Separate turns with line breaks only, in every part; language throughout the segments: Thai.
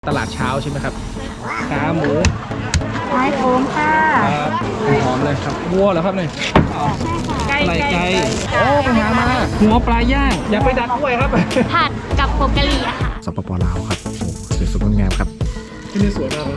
ตลาดเช้าใช่ไหมครับขาหมู
ไม้โค้งค่ะ
ครับหอมเลยครับวัวเหรอครับเนี่ยไก่โอ้ไปหามาหัวปลาย่างอย่าไปดักด้วยครับ
ผัดกับโปกะหรี่อะค่ะ
สปป.ลาวครับโอ้สวยๆงามครับที่นี่สวยมากเลย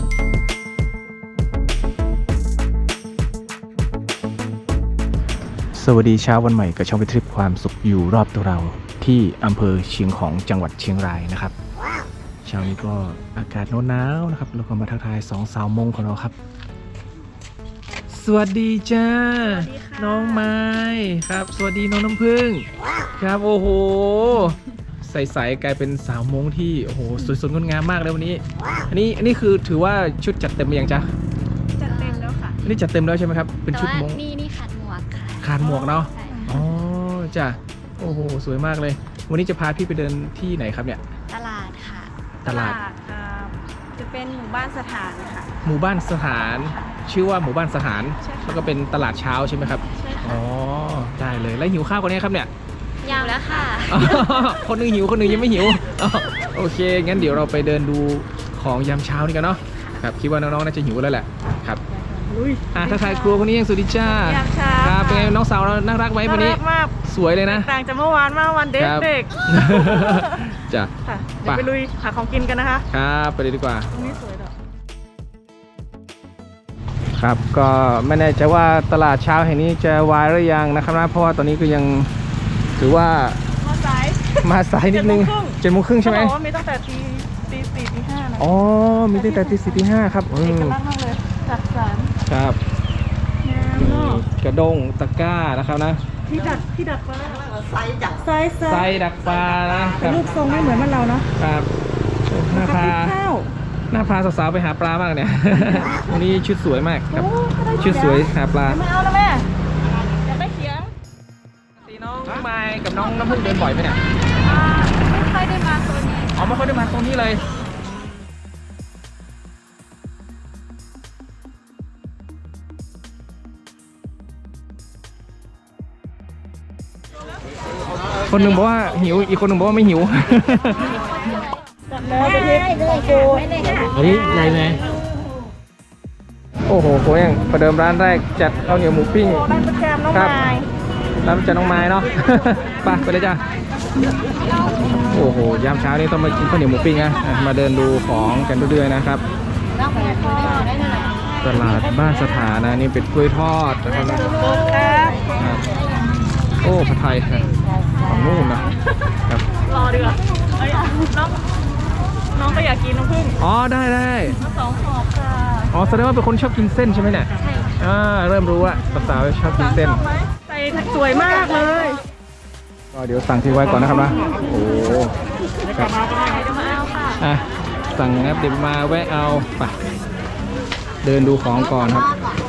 สวัสดีเช้าวันใหม่กับช่องไปทริปความสุขอยู่รอบตัวเราที่อำเภอเชียงของจังหวัดเชียงรายนะครับเช้านี้ก็อากาศหนาวๆนะครับแล้วก็มาทักทายสองสาวมงของเราครับสวัสดีจ้าน้องไม้ครับสวัสดีน้องน้ำผึ้งครับโอ้โหใสๆกลายเป็นสาวมงที่โอ้โหสวยสดงดงามมากเลยวันนี้อันนี้คือถือว่าชุดจัดเต็มหรือยังจ๊ะ
จัดเต็มแล้วค่ะ
อันนี้จัดเต็มแล้วใช่ไหมครับเป็นชุดมง
นี่ขาดหมวกค่ะ
ขาดหมวกเนาะอ๋อจ้ะโอ้โหสวยมากเลยวันนี้จะพาพี่ไปเดินที่ไหนครับเนี่ย
ตลาดค่ะ
ตลาด
จะเป็นหมู่บ้านสถานค่ะ
หมู่บ้านสถานชื่อว่าหมู่บ้านสถานแล้วก็เป็นตลาดเช้าใช่ไหมครับ
ใช่ค่ะ
อ๋อได้เลยแล้วหิวข้าวกันเนี่ยครับเนี่ย
ยาวแล้วค่ะ
คนนึงหิวคนนึงยังไม่หิวโอเคงั้นเดี๋ยวเราไปเดินดูของยามเช้านี่กันเนาะครับคิดว่าน้องๆน่าจะหิวแล้วแหละครับถ้าทายครัวคนนี้ยังสวัสดีจ้าย
ามเช้า
ครับเป็นไงน้องสาวเราน่ารักไหมวันนี้
มาก
สวยเลยนะ
ต่างจากเมื่อวานมากวันเด็ก
จ้ะ
เดี๋ยวไปลุยหาของกินกันนะคะ
ครับไปเลยดีกว่า
ตรงนี้สวยดอก
ครับก็ไม่แน่ใจว่าตลาดเช้าแห่งนี้จะวายหรือยังนะครับนะเพราะว่าตอนนี้ก็ยังถือว่ามาสายนิดนึง7:30ใช่ไหม
เขาบอกว่ามีตั้งแต่ตี 4 ตี 5นะ
อ๋อมีตั้งแต่ตี 4 ตี 5ครับ
เอกลักษณ์มากเลยจัดสรร
ครับกระด้งตะกร้านะครับนะ
ที่ดักปลาไซ
ดักปลานะครับ
ลูกทรงไม่เหมือนบ้านเราเนาะ
ครับหน้าพาสาวๆไปหาปลามากเนี่ยวันนี้ชุดสวยมากครับชุดสวยหาปลา
ไม่เอานะแม่อยากได้เขียง
ตีน้องไม้กับน้องน้ำผึ้งเดินบ่อยไหมเนี่ย
ไม่ค่อยได้มาโซนนี้
อ๋อไม่ค่อยได้มาตรงนี้เลยคนหนึ่งบอกว่าหิวอีกคนหนึ่งบอกว่าไม่หิว
แล้วไปเทโกโก้
เฮ้ยใหญ่ไหมโอ้โหโค้งประเดิมร้านแรกจัดข้าวเหนียวหมูปิ้ง
ร้านประจำน้องไม้
ร้านประจำน้องไม้เนาะไปเลยจ้ะโอ้โหยามเช้านี้ต้องมากินข้าวเหนียวหมูปิ้งนะมาเดินดูของกันเรื่อยๆนะครับตลาดบ้านสถานะนี่เป็นกล้วยทอดนะครับโอ้ผัดไทยของนู่นนะครับ
รอดีกว่าน้องก็อยากกินน้ำผึ้ง
อ๋อได้
2 ขอบค่ะ
อ๋อแสดงว่าเป็นคนชอบกินเส้นใช่ไหมเนี่ย
ใช่
เริ่มรู้ว่าสาวๆชอบกินเส้น
ใส่สวยมากเลย
ก็เดี๋ยวสั่งที่ไว้ก่อนนะครับนะโอ้ครับสั่งครับเดี๋ยวมาแวะเอาไปเดินดูของก่อนครับ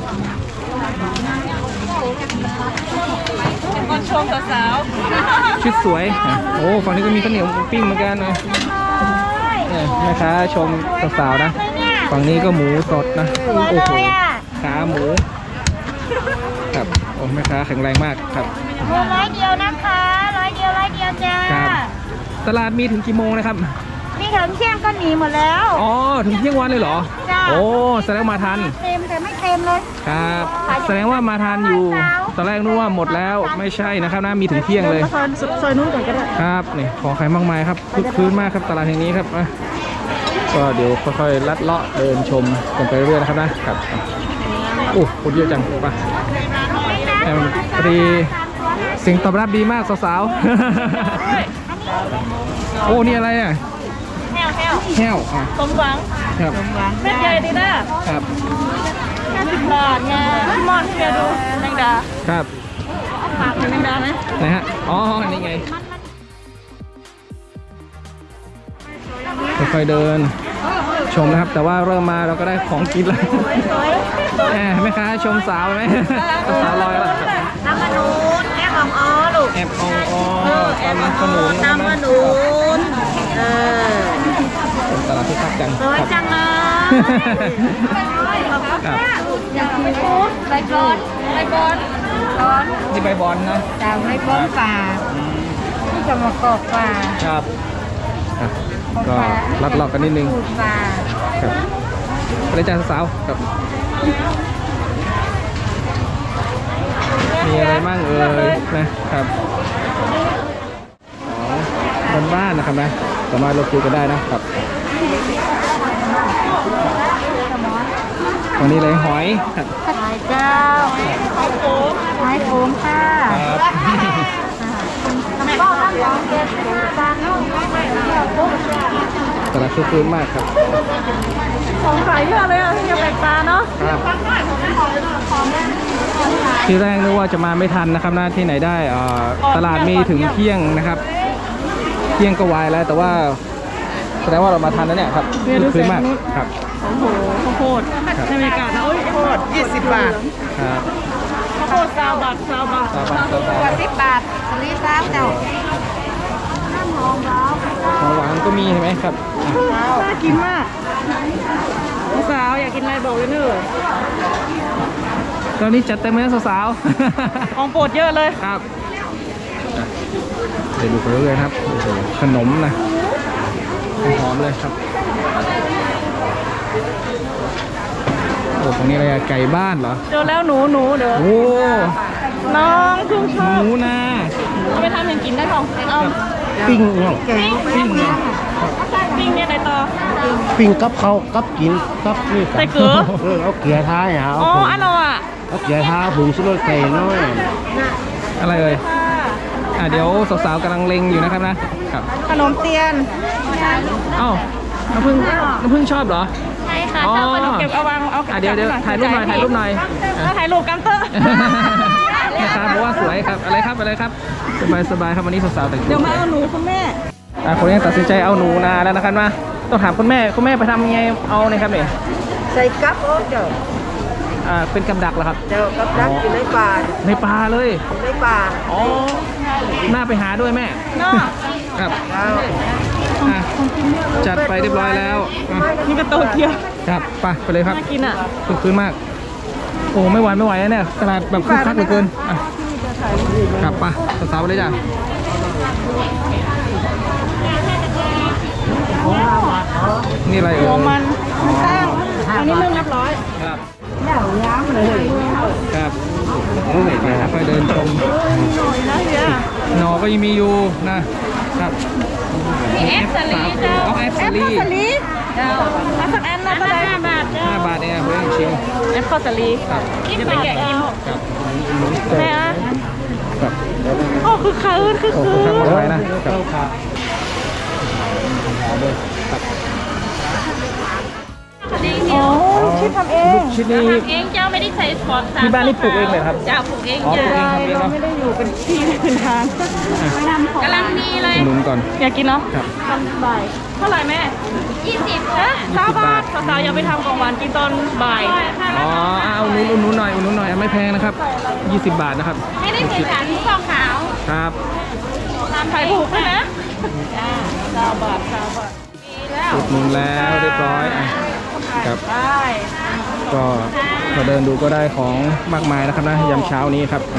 คนชมสาว
ชุดสวยโอ้ฝั่งนี้ก็มีข้าวเหนียวปิ้งเหมือนกันนะแม่ค้าชมสาวๆนะฝั่งนี้ก็หมูสดนะโอ้โหขาหมูครับโอ้แม่ค้าแข็งแรงมากครับ
100 เดียวนะคะ100 เดียวจ้า
ครับตลาดมีถึงกี่โมงนะครับ
มีถึงเที่ยงก็หนีหมดแล้ว
อ๋อถึงเที่ยงวันเลยเหรอโอ้แสดงมาทัน
เต็มแต่ไม่เต็มเลย
ครับแสดงว่ามาทันอยู่ตอนแรกนึกว่าหมดแล้วไม่ใช่นะครับนะมีถึงเที่ยงเลย
ซอยนู้นก่อนก็ได้
ครับนี่ของขายมากมายครับคึกคืนมากครับตลาดแห่งนี้ครับก็เดี๋ยวค่อยๆลัดเลาะเดินชมกันไปเรื่อยๆนะครับนะครับโอ้คนเยอะจังป่ะพอดีสิ่งตอบรับดีมากสาวๆโอ้นี่อะไรอ่ะแห้ว
สมหวัง
ครับ
เม็ดใหญ่ดีนะครับ50 บาทไงพี่มอนพี่ดูแมงดา
ครับ
ฝากแมงดาไหม
ไหนฮะอ๋อนี่ไงค่อยๆเดินชมนะครับแต่ว่าเริ่มมาเราก็ได้ของกินแล้วแม่ค้าชมสาวไหมสาวลอยแล้ว
น้ำมะนูนแอบอ๋อลูก
แอบอ๋อตอนนี้ขนุน
น้ำมะนูน
ตลาดที่คักจัง
สวยจังเลยอยากกินใบบอน
นี่ใบบอนนะ
จากใบบอนป่าที่จะมากอกป่า
ครับก็ลัดเลาะกันนิดนึง
ปูปลา
ครับไปเลยจ้าสาวๆครับมีอะไรบ้างเอ่ยนะครับของบ้านๆนะครับนะสามารถลดคิวกันได้นะครับวันนี้เลยหอยครับ
หอยเจ้าหอยโขงค่ะ
ครับ
ทำไมต้องตั้งของเก็บปลาเนาะ
ตลาดคึกคืนมากครับ
ของขายเยอะเลยอ่ะที่จะแปลกตาเนาะ
ครับที่แรกนึกว่าจะมาไม่ทันนะครับนะที่ไหนได้ตลาดมีถึงเที่ยงนะครับ เที่ยงก็วายแล้วแต่ว่าแสดงว่าเรามาทันแล้วเนี่ยครับคึกคืนมากครับ
โอ้โหข้าวโพดในบรรยากาศนะโอ้ยข้าวโพด20 บาท
ครับ
ข้าวโพด20 บาท20 บาท
ตาบ้านตาบ้าน
10 บาทรีซ่าเจ้าน้ำหอมร้าว
ของหวานก็มีเห็นไหมครับ
น่ากินมากสาวอยากกินอะไรบอกเลยเนอะ
ตอนนี้จัดเต็มเลยสาว
ของโปรดเยอะเลย
ๆ ครับเดี๋ยวดูไปเรื่อยๆครับโอ้โหขนมนะหอมเลยครับโอ้ตรงนี้อะไรอะไก่บ้านเหรอ
เจอแล้วหนูเด้อ
โอ้
น้องเพิ่งช
ห
อบ
มูนา
เอาไปทำอย่างกินได้ของเอา
ปิ้งเนาะปิ้งเนาะ
ปิ้งเนี่ยอะไรต่อ
ปิ้งกับเขากับกินกับนี่กั
ใส่เกลือ
เอาเกลือท้ายเอา
อ๋ออันเราอ่ะ
เอาเกลือท้าผงชูรสใส่น้อย
อะไรเอ่ยเดี๋ยวสาวๆกำลังเล็งอยู่นะครับนะครับ
ขนมเตียน
เอ้าน้ำผึ้งชอบเหรอ
ใช่ค่ะ
อ๋อ
เจ้าขนมเก็บเอาวางเอา
เดี๋ยวถ่ายรูปหน่อยถ่ายรูปหน่อย
ถ่ายรูปกันเตอร์
แม่ค้าบอกว่าสวยครับอะไรครับสบายครับวันนี้สาวๆแต่งตัว
เดี๋ยวมาเอาหนูคุณแม่
คนนี้ตัดสินใจเอาหนูนาแล้วนะครับว่าต้องถามคุณแม่ไปทำยังไงเอาเนี่ยครับเนี่ย
ใส่กับโอ้เจ้า
เป็นกำดักเหรอครับ
เจ้ากับดักอยู่ในป่า
ในป่าเลย
ในป่า
อ๋อน่าไปหาด้วยแม่
เนาะ
ครับ
เอา
อ่ะจัดไปเรียบร้อยแล้วอ่ะ
นี่ก็โตเกียว
ครับไปเลยครับ
น่ากินอ่ะ
คึกคืนมากโอ้ไม่ไหวนะเนี่ยตลาดแบบคึกคักเหลือเกินอ่ะครับไปสาวๆไปเลยจ้ะนี่อะไรเอ่ย
หัวมันตั้งอันนี้นึ่งเรียบร้อย
ครับครับค่อยเดินชม
นะเฮีย
หนอก็ยังมีอยู่นะครับ
มีแอปสลีเจ้า
เอาแอปสลี
เจ้ามาสักอันนะก็ได้5 บาทเจ้า
5 บาทเองเพื่อนชิม
แอปข้าวสลี
ครับ
เดี๋ยวไปแกะกิน
ครับ
แม่อะ
ครับ
โอ้คือคืนคือ
โอ้
คื
โห
น
ทำมาไว้นะครับหอมเลยครับ
โอ้ชิดทำเอง
ชิ้นนี้
เองเจ้าไม่ได้ใช้ฟอนต์
ที่บ้านนี่ปลูกเองเลยครับ
เจ้าปลูกเอง
อ๋อปลูกเอง
เจ้า
ทำเอง
เรา
เนาะ
ไม่ได้อยู่เป็นที่เป็นทาง
กำลังดีเลย
หนุนก่อน
อยากกินเนาะ
ครับ
ตอนบ่ายเท่าไหร่แม่
20
ฮะ
ค่ะ
9 บาทสาวๆอย่าไปทำของหวานกินตอนบ่าย
อ๋อเอาหนุนหน่อยไม่แพงนะครับ20 บาทนะครับ
ไม่ได้ใส่สารที่ฟองขาว
ครับ
ขายถูกเลยนะ9 บาท9 บาทดีแล้ว
อุดหนุนแล้วเรียบร้อยอ่ะครับ
ได้
ก็มาเดินดูก็ได้ของมากมายนะครับนะยามเช้านี้ครับ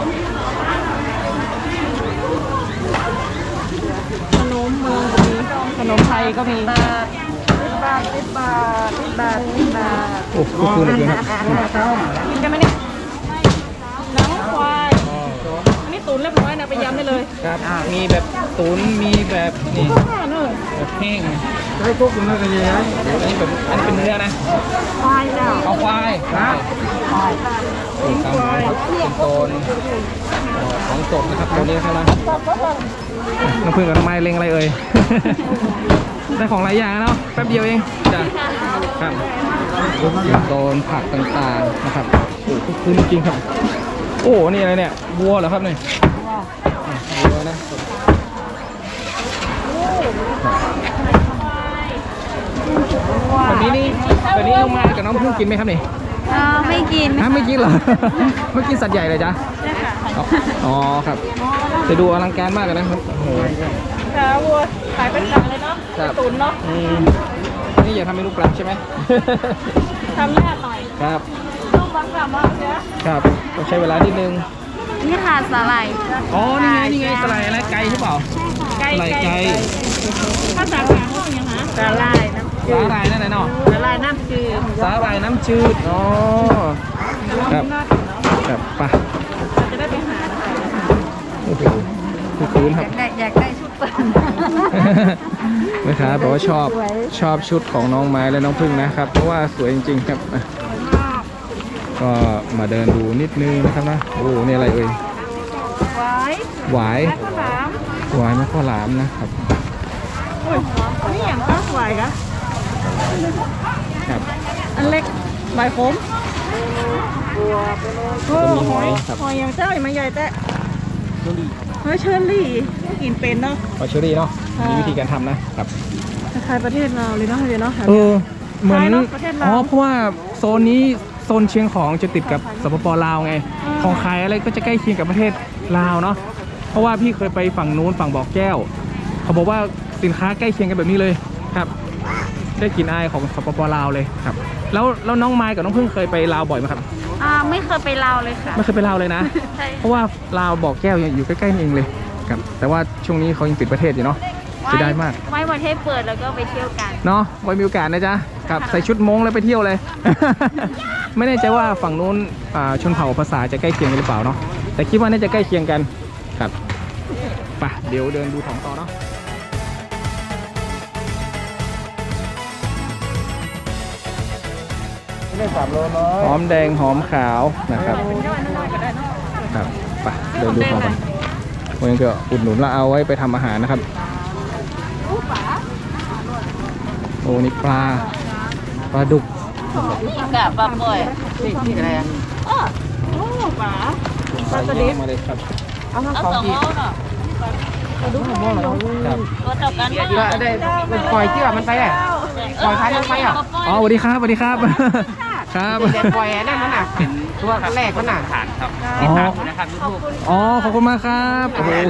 ขนมเมืองก็มีขนมไทยก็มี10 บาท10 บาท10 บาท10 บาท
โอ้ก็คือเหลยครับ
กินกันไหมเนี่ยหนังควายอันนี้ตุ๋นเรียบร้อยนะไปยำได้เลย
ครับมีแบบตุ๋นมีแบบนี่
เนอะ
แบบแห้งให้พวกคุณเลือกกันยังไงอันนี้เป็นเนื้อนะ
ควายเจ้า
เอาควายครับเป็นตามครับเป็นโซนของสดนะครับตัวนี้นะครับนะน้ำผึ้งกับน้ำไม้เล็งอะไรเอ่ย ได้ของหลายอย่างเนาะแป๊บเดียวเองจ้ะครับโซนผักต่างๆนะครับโอ้คึกคืนจริงๆครับ โอ้นี่อะไรเนี่ยวัวเหรอครับเนี่ยวัวนะแบบนี้นี่แบบนี้น้องไม้กับน้องพึ่งกินไหมครับนี่
ไม่กิน
ฮะไม่กินเหรอ ไม่กินสัตว์ใหญ่เลยจ้ะ
ใช่ค่ะ
อ๋อครับจะดูอลังการมากเลยนะครับโอ้โห
ขาวัวขายเป็นหลังเลยเนาะ
ครับ
ตุ๋นเนาะ
นี่อย่าทำเมนูปลาใช่ไหม
ทำยากหน่อย
ครับ
ต้องบังคับมากเนี้ย
ครับต้องใช้เวลานิดนึง
นี่ค่ะสาหร่าย
อ๋อนี่ไงสไลด์อะไรไก่ใช่เปล่าสไลด์ไก่
ภาษากลาง
อย่างนะ
สาลายน้ำ
สาหร่ายนั่นไหนเนาะ
สาลายน้ำจืด
สาหร่ายน้ำจืดอ๋อครับครับไป
จะได้ไปหา
โอ้โหคือคืนครับ
อยากได้ชุดเปิด
แม่ค้าบอกว่าชอบชุดของน้องไม้และน้องพึ่งนะครับ เพราะว่าสวยจริงๆครับอ่ะก็มาเดินดูนิดนึงนะครับนะโอ้นี่อะไรเอ่ย
ไว้
หวาย
ข้าวหลาม
หวายมะข้าวหลามนะครับ
นี่อย่างข้าวสวยกะ
ครับ
อันเล็กใบขมโอ้
ก็มีหอยครับ
หอยอย่างเจ้าอย่างมันใหญ่แต่หอยเชอรี่กินเป็นเนาะ
หอยเชอรี่เนาะ
ค่ะ
มีวิธีการทำนะครับ
คล้ายๆประเทศเราเลยเนาะเดี๋ยวเนาะ
เออเหมือน
คล้ายเนอะประเทศลาว
อ๋อเพราะว่าโซนนี้โซนเชียงของจะติดกับสปปลาวไง ของขายอะไรก็จะใกล้เคียงกับประเทศลาวเนาะเพราะว่าพี่เคยไปฝั่งนู้นฝั่งบ่อแก้ว เขาบอกว่าสินค้าใกล้เคียงกันแบบนี้เลยครับ ได้กลินอายของสปปลาวเลยครับแล้วน้องไม้กับน้องพึ่งเคยไปลาวบ่อยไหมครับ
ไม่เคยไปลาวเลยค่ะ
ไม่เคยไปลาวเลยนะ
ใช่
เพราะว่าลาวบ่อแก้วอยู่ใกล้ๆนี่เองเลยครับแต่ว่าช่วงนี้เขายังปิดประเทศอยู่เนาะเสียดายมาก
ไว้ประเทศเปิดแล้วก็ไปเที่ยวกัน
เนาะไว้มีโอกาสนะจ๊ะครับใส่ชุดม้งแล้วไปเที่ยวเลย ไม่แน่ใจว่าฝั่งนู้นชนเผ่าภาษาจะใกล้เคียงกันหรือเปล่าเนาะแต่คิดว่าน่าจะใกล้เคียงกันครับไปเดี๋ยวเดินดูของต่อเนาะหอมแดงหอมขาวนะครับครับไปเดินดูของกันวันนี้ก็อุดหนุนแล้วเอาไว้ไปทำอาหารนะครับโอ้นี่ปลาดุก
กับปลาป่อย
นี่อะไรอ่ะ
โอ้ปลา
ปลาเยอะมาเลยครับ
เอาสองโลเนาะ
ครับ
ตัวเท่ากันมาก
ก็ได้มันปล่อยเชื่อมันไปอ่ะ ปล่อยพันธุ์ไปอ่ะ
อ๋อสวัสดีครับสวัสดีครับ ครับ
เด็กปล่อยนั่นมันอ่ะตัวแรกมันอ่ะ
อ๋ออ๋อขอบคุณมากครับโอ้โห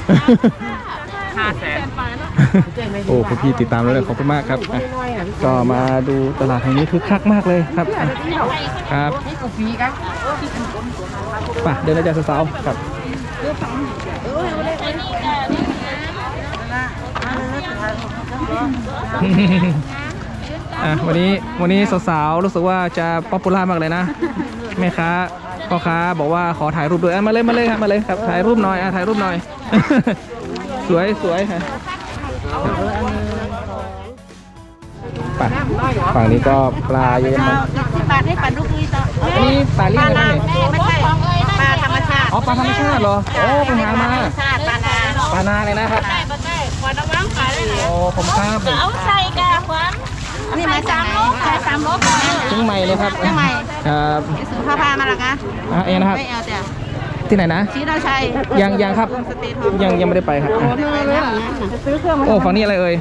โอ้คุณพี่ติดตามแล้วเลยขอบคุณมากครับอ่ะก็มาดูตลาดแห่งนี้คึกคักมากเลยครับอ่ะครับ
นี่กูฟรีครับ
ไป่ะเดินได้จากสาวๆครับ อ่ะวันนี้สาวๆรู้สึกว่าจะป๊อปปูล่ามากเลยนะแม่ค้าพ่อค้าบอกว่าขอถ่ายรูปด้วยอ่ะมาเลยครับมาเลยครับถ่ายรูปหน่อยอ่ะถ่ายรูปหน่อย สวยฮะไปฝั่งนี้ก็ปลาเยอะมาก
ปลาให้ปลาดุกนี่ต่อ
อันนี้ปลาเลี้ยงอะไรเนี่ย
ไม่ใช่ปลาธรรมชาติ
อ๋อปลาธรรมชาติเหรอโอ้ไปหามา
ปลานา
ปลานาเลยนะครับ
ได้ปลาได้ปลาตะวังปลาได้เลย
โอ้ผมครับผม
เอาใส่กาขวัญนี่มา3 โลใส่3 โลก่อน
เชียงใหม่เลยครับเชียงใหม่ครับ
ซื้อผ้าผ้ามาหรอคะ
เองนะครับ
ไม่เอาแต่
ที่ไหนนะ
ชี้เราใช้
ยังครับยังไม่ได้ไปครับอ่ะ
ซื้อเครื่องมา
โอ้ฝั่งนี้อะไรเอ่ย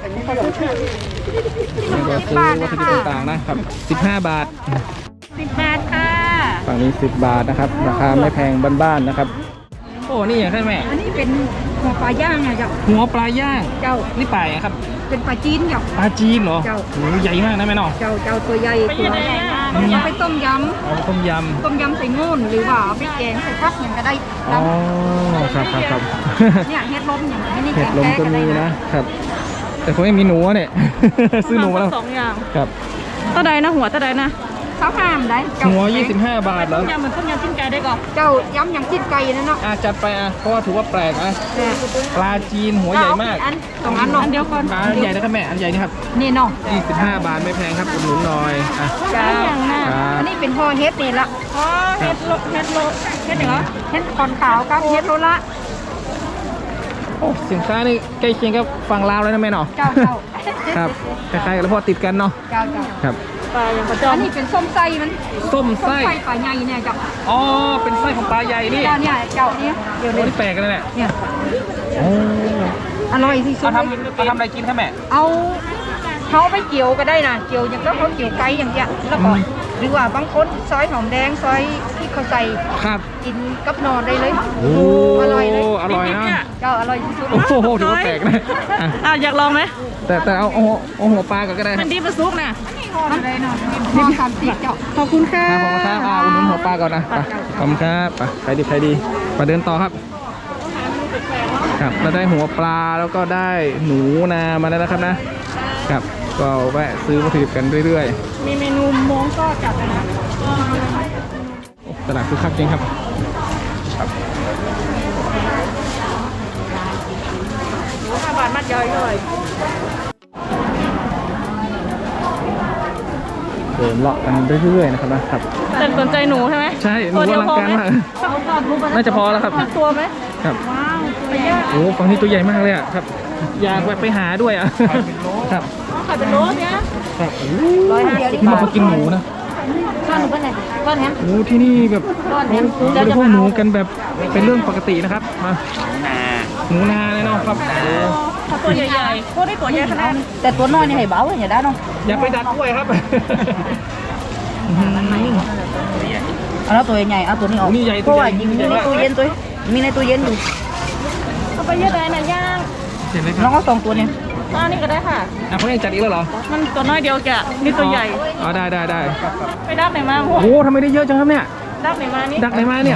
นี่ก็ซื้อวัตถุดิบต่างๆนะครับ15 บาท
10 บาทค่ะ
ฝั่งนี้10 บาทนะครับราคาไม่แพงบ้านๆนะครับโอ้นี่อย่างไรแม่
อันนี้เป็นหัวปลาย่างอะเจ้า
หัวปลาย่าง
เจ้า
นี่ปลาอะไรครับ
เป็นปลาจีนเจ้า
ปลาจีนเหรอ
เจ้า
โอ้ใหญ่มากนะแม่เนาะ
เจ้าตัวใหญ่ตัวเอาไปต้มย
เอาต้มย
ำต้มยำใส่งูนหรือว่าเอาไปแกงใส่ผักอย่างก็ได้
ำอ๋อครับ
เนี่ยเฮ็ดลมอย่างนี้
เห็ดลมก็มีนะครับ แต่ผมไม่มีหนูอะเนี่ย ซื้อหนูมาแล้ว
2 อย่าง
ครับ
เท่าใดนะหัวเท่าใดนะเขาห้ามได้
หัว25 บาทแล้ว
ต้มยำเหมือนต้มยำจิ้นไก่ได้ก่อนเจ้าย้ำอย่างจิ้นไก่นั่นเนาะ
จัดไปเพราะว่าถือว่าแปลกนะปลาจีนหัวใหญ่มาก
อัน2 อันเนาะอันเดียวก่อน
ปลาใหญ่นะครับแม่อันใหญ่นี่ครับ
นี่เนาะ
25 บาทไม่แพงครับอุดหนุนหน่อยอ่ะ
จ้า
ครับ
อันนี้เป็นห่อเฮ็ดนี่ละห่อเฮ็ดเหรอเฮ็ดเหรอเฮ็ดคอนขาวกับเฮ็ดโลละ
โอ้สินค้านี่ใกล้เคียงกับฝั่งลาวแล้วนะแม่เนาะ
เจ้า
ครับคล้ายๆกันแล้วเพราะติดกันเนาะ
เจ้า
ครับ
ปลาอย่างประจอมอันนี้เป็นส้มไส้มัน
ส้มไส้
ปลาใหญ่เนี่ยเจ้า
อ๋อเป็นไส้ของปลาใหญ่นี่
เจ้าเนี่ยเจ้าเนี่ยเดี๋ยว
โอ้
นี้
นี่แปลกกันเลยแม่
เนี่ย
โอ้
อร่อยที่สุด
เอาทำอะไรกินครับแม่
เอาเขาไปเกี่ยวก็ได้นะเกี่ยวอย่างก็เขาเกี่ยวไก่อย่างเงี้ยแล้วก็หรือว่าบางคนซอยหอมแดงซอยที่เขาใส่
ครับ
กินกับนอนได้เลย
โอ้
อร่อยเลย
อร่อยนะ
เจ้าอร่อยที่สุด
โอ้โหถือว่าแปลกนะอ่ะ
อยากลองไหม
แต่เอาหัวปลาก่อนก็ได้ค
มั
รับ
นดีประซุกนะมันได้เนาะพอสามสิบเจ้าขอบคุณค่ะ
ครับผมครับอุดหนุนหัวปลาก่อนนะไปขอบคุณครับไปใครดีมาเดินต่อครับเราได้หัวปลาแล้วก็ได้หนูนามาแล้วนะครับนะครับก็แวะซื้อวัตถุดิบกันเรื่อย
มีเมนูม้งก็จัดนะ
ๆตลาดคึกคักจริงครับ
5 บาทมัดย่อยเลย
เดินเลาะกันเรื่อยๆนะครับนะครับ
แต่สนใจหนูใช่ไหม
ใช่หนูอลังการมากน่าจะพอแล้วครับ
ตัวไหม
ครับ
ว้าวไปเยอะ
โอ้ฝั่งนี้ตัวใหญ่มากเลยอ่ะครับอยากไปหาด้วยอ่ะครับ
ขายเป็นโลเนี้ย
ครับนี่มันเขากินหมูนะ
ก้อนหนูเป็นไงก้อนเนี้ย
โอ้ที่นี่แบบบริโภคหนูกันแบบเป็นเรื่องปกตินะครับมาหนูนาเลยเนาะครับโอ้
ถ้าตัวใหญ่ๆพวกนี้ตัวใหญ่ขนาด
แต่ตัวน้อยนี่ให้เบาอย่างได้เนาะ
อยากไปดักกล้วยครับ
เอาแล้วตัวใหญ่เอาตัวนี้ออก
นี่ใหญ่
เพราะว่า
ตัวใหญ่
ยิงมีในตู้เย็นตัวมีในตู้เย็นอยู่
เอาไปเยอะเลยนะย่าง
เห็นไหมค
น้
รั
อบ งเอา2 ตัวเนี่ย
อันนี้ก็ได้ค่ะ
เขายังจัดอีกแล้วเหรอ
มันตัวน้อยเดียวแกนี่ตัวใหญ่
อ๋อได้
ไปดับไหนมาพวก
โอ้ทำไมได้เยอะจังครับเนี่ย
ดับไหนมานี่
ดักไหนมาเนี่ย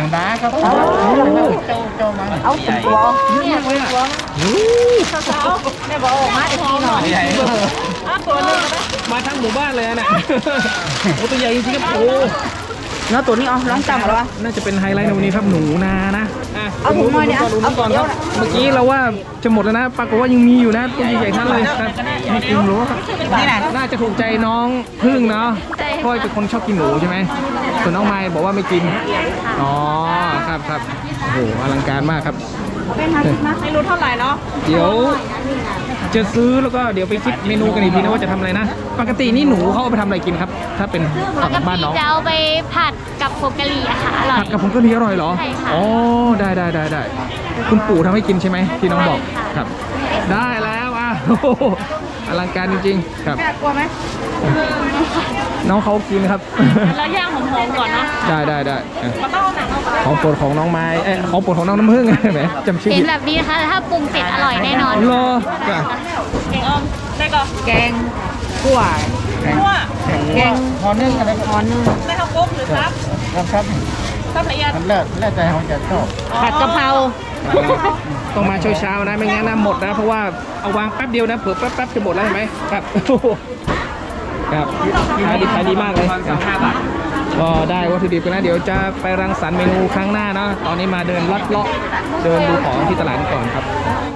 เอา2 ตัว
เยอะมากเลยอ่ะโอ้
สาวๆแม่บอกออกมาอีกทีหน่อยอ่ะตัวหนึงก็ได้
มาทั้งหมู่บ้านเลยเนี่ยโอ้ตัวใหญ่จริงๆครับโอ้
เนาะตัวนี้เอาลองจับมาแล้ววะ
น่าจะเป็นไฮไลท์ในวันนี้ครับหนูนานะ
เอาถุงหน่อยเนี่ย
ดูก่อน
เอา
ครับเมื่อกี้เราว่าจะหมดแล้วนะปรากฏว่ายังมีอยู่นะตัวใหญ่ๆทั้งเลยครับไม่กินหนูครับ
นี่นะ
น่าจะถูกใจน้องพึ่งเนาะเพราะว่าเป็นคนชอบกินหนูใช่ไหมส่วนน้องไม้บอกว่าไม่กินอ๋อครับโอ้โหอลังการมากครับ
ไม่รู้เท่าไหร่เนาะ
เดี๋ยวจะซื้อแล้วก็เดี๋ยวไปคิดเมนูกันอีกทีนะว่าจะทำอะไรนะ ปกตินี่หนูเขาเอาไปทำอะไรกินครับ ถ้าเป็น
ปก
บ้าน
ติ
น้อง
จะเอาไปผัดกับผงกะหรี่อะค่ะอร่อย
ผัดกับผงกะหรี่อร่อยเหรอ
ใช่ค่ะ
อ๋อได้คุณปู่ทำให้กินใช่ไหมที่น้องบอก
ใช่ค่ะ
ครับ ได้แล้วอ่ะ โอ้โหอลังการจริงๆครับ
แม่กลัวไหม
น้องเขากินครับ
แล้วย่างหอมๆก่อนเนาะ
ได้อ่ะ
มันต้องเอาหนังออกมา
ของโปรดของน้องไม้ของโปรดของน้องน้ำผึ้ง แหมจำชื่อ
เห็
ผิ
น
ด
แบบนี้นะคะถ้าปรุงเสร็จอร่อยแน่นอน
รอจ้ะ
เก่งออมได้ก่อน
แกงขั่ว
คั่ว
แกงหอนึ่งอะไรหอนึ่ง
ได้ข้าวกุ๊กหรือซับ
ครับ
ซับละเอียด
แล้วใจของจะชอบ
ผัดกะเพรา
ต้องมาเช้าๆนะไม่งั้นนะหมดนะเพราะว่าเอาวางแป๊บเดียวนะเผื่อแป๊บจะหมดแล้วเห็นไหมครับ ครับขายดีมากเลยครับก็ได้วัตถุดิบกันนะเดี๋ยวจะไปรังสรรค์เมนูครั้งหน้านะตอนนี้มาเดินลัดเลาะเดินดูของที่ตลาดก่อนครับ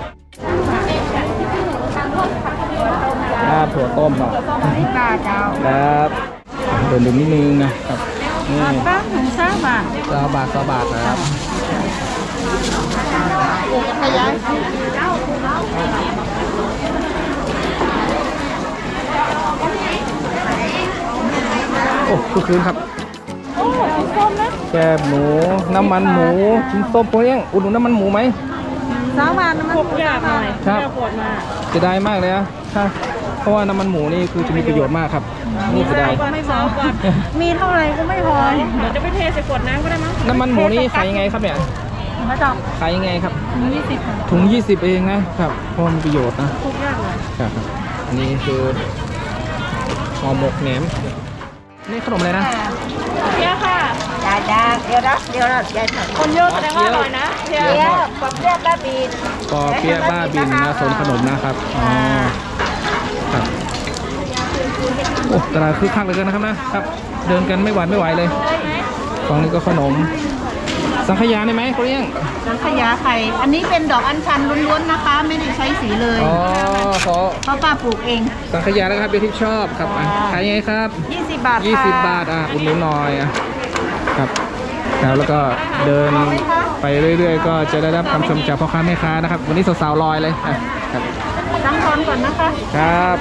ถั่วต้มเนาะ
ปลาเจ้า
ครับเดินดูนิดนึงนะครับนี่
ป้าถึงซ่าบาท
20 บาทนะครับโอ้คือคืนครับ
โอ้ชิ้นส้มนะ
แกบหมูน้ำมันหมูชิ้นส้มโปรเองอุดหนุนน้ำมันหมูไหม
3 บาทมัน
พวกยากหน่อย
ครับ
แม่ขวดมา
เสียดายมากเลยนะถ้าเพราะว่าน้ำมันหมูนี่คือจะมีประโยชน์มากครับนี่เสียดาย
ก่อนไม่พอก่อน
มีเท่าไหร่ก็ไม่พอ
เดี๋ยวจะไปเทใส่ขวดน้ำก็ได้มั้ง
น้ำมันหมูนี่ขายยังไงครับเนี่ย
มาจับ
ขายยังไงครับ
20ค่ะ
ถุง 20 เองนะครับเพราะมันมีประโยชน์นะ
พวกยากเลย
ครับอันนี้คือห่อหมกแหนมนี่ขนมอะไรนะ
เพี้ยค่ะ
จ้าเดี๋ยวนะยายผัด
คนเยอะแสดงว่าอร่อยนะเพี้ย
เดี๋ยวกับเรียกป้าบีน
ปอเปี๊ยะบ้าบินนะโซนขนมนะครับอ๋อครับโอ้ตลาดคึกคักเหลยกันนะครับนะครับ เดินกันไม่หวาดไม่ไหวเลยฝั่งนี้ก็ขนม สังขยาได้ไหมเขาเรียก
สังขยาไข่ อันนี้เป็นดอกอัญชันล้วนๆนะคะ ไม่ได้ใช้สีเลย
อ๋อขอ
เพราะป้าปลูกเอง
สังขยาแล้วครับเดี๋ยวที่ชอบครับอ่ะขายยังไงครับ
20 บาทค่ะ
20 บาทอุดหนุนหน่อยครับแล้วก็เดินไปเรื่อยๆ ก็จะได้รับคำชมจากพ่อค้าแม่ค้านะครับ วันนี้สาวๆลอยเลยครับ
ตั้งทอนก่อนนะคะ
ครับ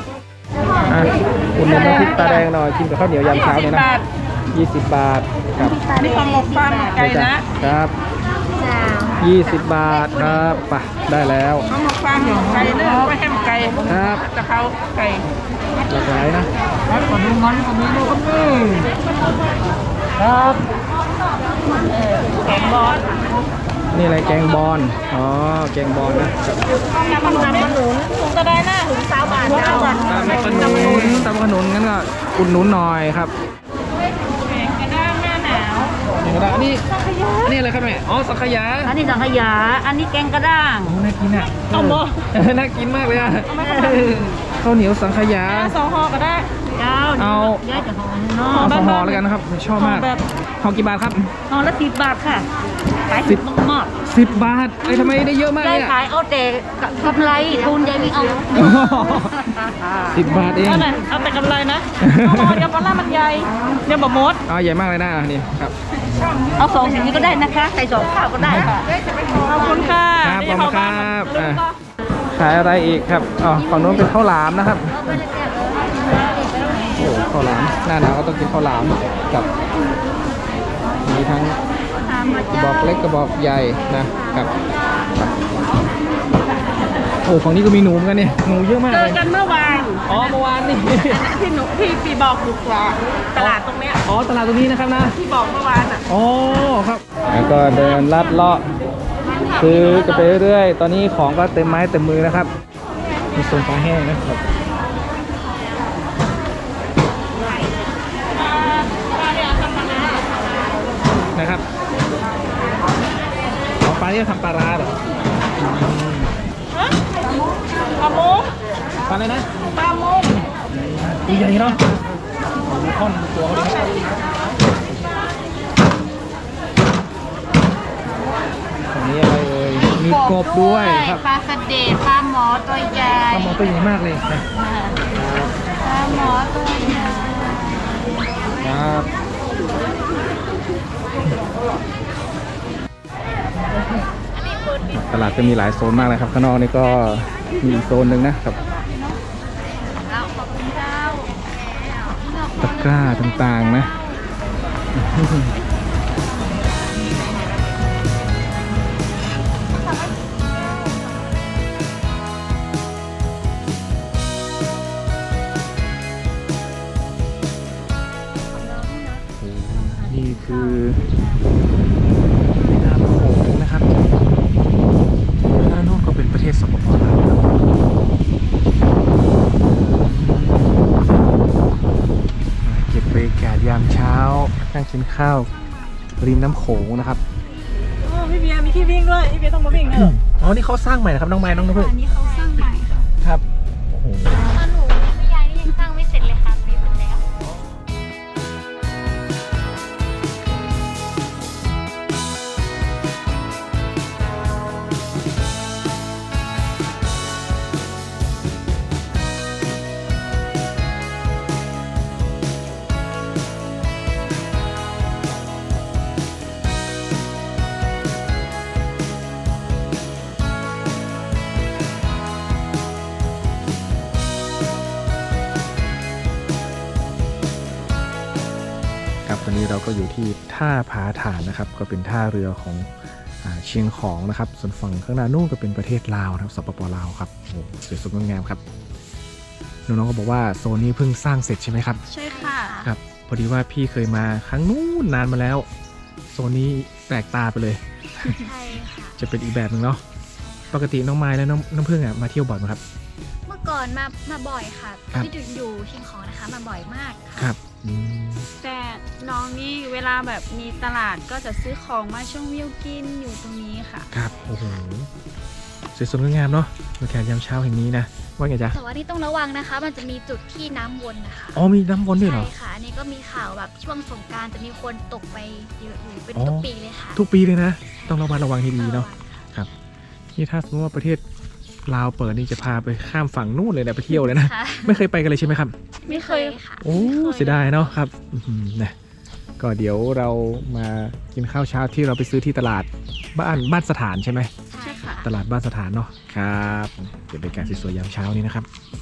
อุดหนุนน้ำพริกตาแดงหน่อยกินกับข้าวเหนียวยามเช้าเนี่ยนะ20 บาทครับ
นี่ของหมกปลาหมกไก่นะครับ
20 บาทครับไปได้แล้ว
ของหมกปลาหมกไก่เนื้อไว้แฮมไก่
ครับ
กะเพราไก่
หลากหลายนะ
แล้วขอดูมันขอดูครับ
ครับ
แกงบอล
นี่อะไรแกงบอลอ๋อแกงบอลนะ
น้ำมันหนุนถุงกระไดหน้าถุง20 บาทเจ้า
ตำขนุนงั้นก็อุดหนุนหน่อยครับ
แกงกระด้างหน้าหนาว
อันนี้อะไรครับแม่อ๋อสังขยา
อันนี้สังขยา อันนี้แกงกระด้าง
โอ้น่ากินอ่ะ
เอาบ่
น่ากินมากเลยอ่ะข้าวเหนียวสังขยา
2 ห่อก็ได้เจ้า
เอา
ย้ายจากห่อเนาะ
เอาห่อแล้วกันนะครับชอบมาก
แบบ
ห่อกี่บาทครับ
ห่อละ10 บาทค่ะขาย
10
มาก
10 บาททำไมได้เยอะมาก
ๆ
เล
ได้
ยอ่ะ
ขายเอาแต่กำไรทุนยายไม่เอา
10 บาทเอง
เอาแต่กำไรนะห่อเดียวปลาล่ามันใหญ่เดี๋ยวบะมด
เอาใหญ่มากเลยนะนี่ครับ
เอา2สิ่งนี้ก็ได้นะคะใส่2ข้าวก็ได้ค่ะขอบคุณค่ะ
ครับขอบคุณครับ
เดี๋ยวเข้าาน
ขายอะไรอีกครับอ๋อฝั่งนู้นเป็นข้าวหลามนะครับโอ้ข้าวหลามหน้าหนาวก็ต้องกินข้าวหลามกับมีทั้งกระบอกเล็กกระบอกใหญ่นะครับโอ้ฝั่งนี้ก็มีหนูเหมือนกันเนี่ยหนูเยอะมาก
เจ
เล
อย กันเมื่อวาน
อ๋อเมื่อวานนี่
ที่หนูพี่บอกถูกกว่าตลาดตรงเนี้ย
อ๋อตลาดตรงนี้นะครับนะ
ที่บอกเมื่อวานอ่ะ
อ๋อครับแล้วก็เดินลัดเลาะซื้อกันไปเรื่อยๆตอนนี้ของก็เต็มไม้เต็มมือนะครับมีโซนปลาแห้งนะครับนะครับของปลาที่ทำปลาร้าเหรอ
ปลาโมง
ปลาอะไรนะ
ปลาโมง
ตัวใหญ่เนาะดูท่อนดูตัวเขาดิครับอันนี้อะไรเอ่ยมีกบด้วยครับ
ปลาสเดดปลาหมอตัวใหญ่
ปลาหมอตัวใหญ่มากเลยนะ
ปลาหมอตัวใหญ่
ครับตลาดก็มีหลายโซนมากเลยครับข้างนอกนี่ก็มีอีกโซนหนึ่งนะครับตะกร้าต่างๆนะนี่คือแม่น้ำโขงนะครับด้านโน้นก็เป็นประเทศสปป.ลาวครับเก็บบรรยากาศยามเช้านั่งกินข้าวริมน้ำโขงนะครับ
พี่เบียร์มีที่วิ่งด้วยพี่เบียร์ต้องมาวิ่งนะ
อ๋อนี่เขาสร้างใหม่นะครับน้องไม้น้องน้ำพึ่ง
อันนี้เขาสร้างใหม่ค่ะ
ครับโอ้โห
ตอนหนูไม่ย้ายนี่ยังสร้างไม่เสร็จเลยค่ะมีหมดแล้ว
ครับตอนนี้เราก็อยู่ที่ท่าผาถ่านนะครับก็เป็นท่าเรือของเชียงของนะครับส่วนฝั่งข้างหน้านู่นก็เป็นประเทศลาวนะครับสปปลาวครับโอ้โหสวยสดงดงามครับน้องๆก็บอกว่าโซนนี้เพิ่งสร้างเสร็จใช่ไหมครับ
ใช่ค่ะ
ครับพอดีว่าพี่เคยมาครั้งนู้นนานมาแล้วโซนนี้แปลกตาไปเลย
ใช่ค่ะ
จะเป็นอีกแบบหนึ่งเนาะปกติน้องไม้และน้ำพึ่งอ่ะมาเที่ยวบ่อยไหมครับ
เมื่อก่อนมาบ่อยค่ะ
ครับ
ที่อยู่เชียงของนะคะมาบ่อยมาก
ค
ค่ะ
รับอืม
แต่น้องนี่เวลาแบบมีตลาดก็จะซื้อของมาช่วงวิวกินอยู่ตรงนี้ค่ะ
ครับโอ้โหสวยสดงดงามเนาะบรรยากาศยามเช้าแห่งนี้นะว่าไงจ๊ะ
แต่ว่าที่ต้องระวังนะคะ มันจะมีจุดที่น้ำวนนะคะ
อ๋อมีน้ำวนด้วยเหรอ
ใช่ค่ะอันนี้ก็มีข่าวแบบช่วงสงกรานต์จะมีคนตกไปเยอะอยู่เป็น
อ๋อ
ทุกปีเลยค่ะ
ทุกปีเลยนะ ต้องระมัดระวังให้ดีเนาะนี่ถ้าสมมติว่าประเทศลาวเปิดนี่จะพาไปข้ามฝั่งนู่นเลยนะไปเที่ยวเลยนะ
ค่ะ
ไม่เคยไปกันเลยใช่ไหมครับ
ไม่เคยค่ะ
โอ้เสียดายเนาะครับอื้อหือนะก็เดี๋ยวเรามากินข้าวเช้าที่เราไปซื้อที่ตลาดบ้านสถานใช่ไหม
ใช่ค่ะ
ตลาดบ้านสถานเนาะครับเป็นบรรยากาศสวยๆยามเช้านี้นะครับ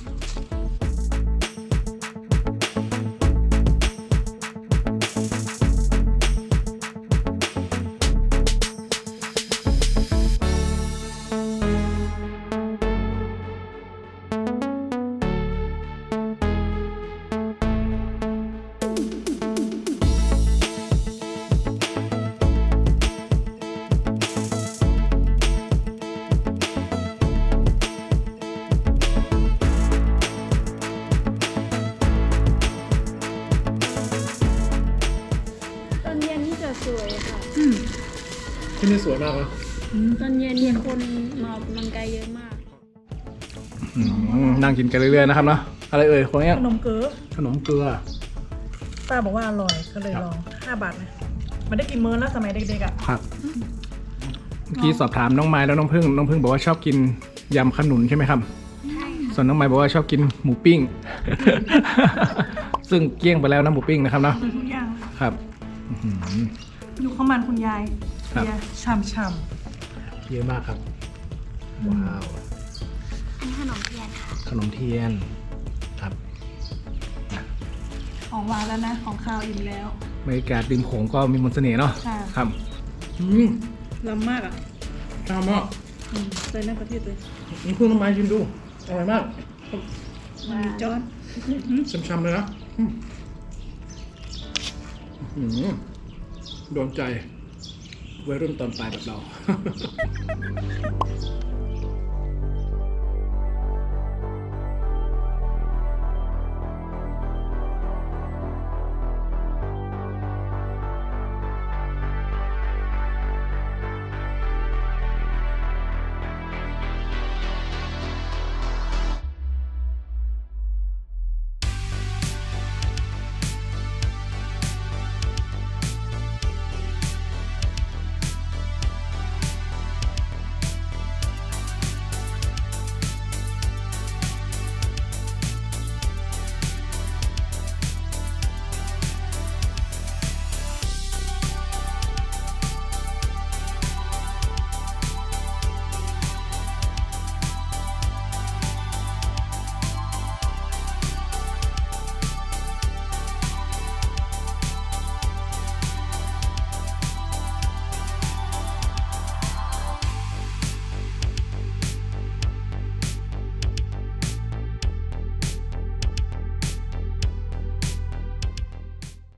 ตอนเย็นนี่จะสวยค่ะ
ที่นี่สวยมากนะ
ตอนเย็นมีคนมาออกกำลังกายเยอะมาก
นั่งกินกันเรื่อยๆนะครับเนาะอะไรเอ่ยคนนี้
ขนมเก๋อ
ขนมเกลือ
ป้าบอกว่าอร่อยก็เลย
ครับ
ลอง5 บาทนะมันได้กินมื้อแล้วสมัยเด็กๆอ่ะ
ครับเมื่อกี้สอบถามน้องไม้แล้วน้องพึ่งบอกว่าชอบกินยำขนุนใช่ไหมครับส่วนน้องไม้บอกว่าชอบกินหมูปิ้ง ซึ่งเกลี้ยงไปแล้วนะหมูปิ้งนะครับเนาะ
ทุกอย่าง
ครับอื้อหือ
ดูข้าวมันคุณยาย
ครับ
เบียร์ช่ำ
เยอะมากครับว้าว
อันนี้ขนมเทียนค่ะ
ขนมเทียนครับ
ๆของหวานแล้วนะของข้าวอิ่มแล้ว
บรรยากาศริมโขงก็มีมนต์เสน่ห์เนาะ
ค่ะ
ครับ
ล้ำมากอ่ะ
ชอบมาก
ใส่ในประเทศเลย
นี่พึ่งน้ำไม้ชิมดูอร่อยมาก
มันมีจอน
ช้ำๆเลยนะโดนใจวัยรุ่นตอนปลายแบบเรา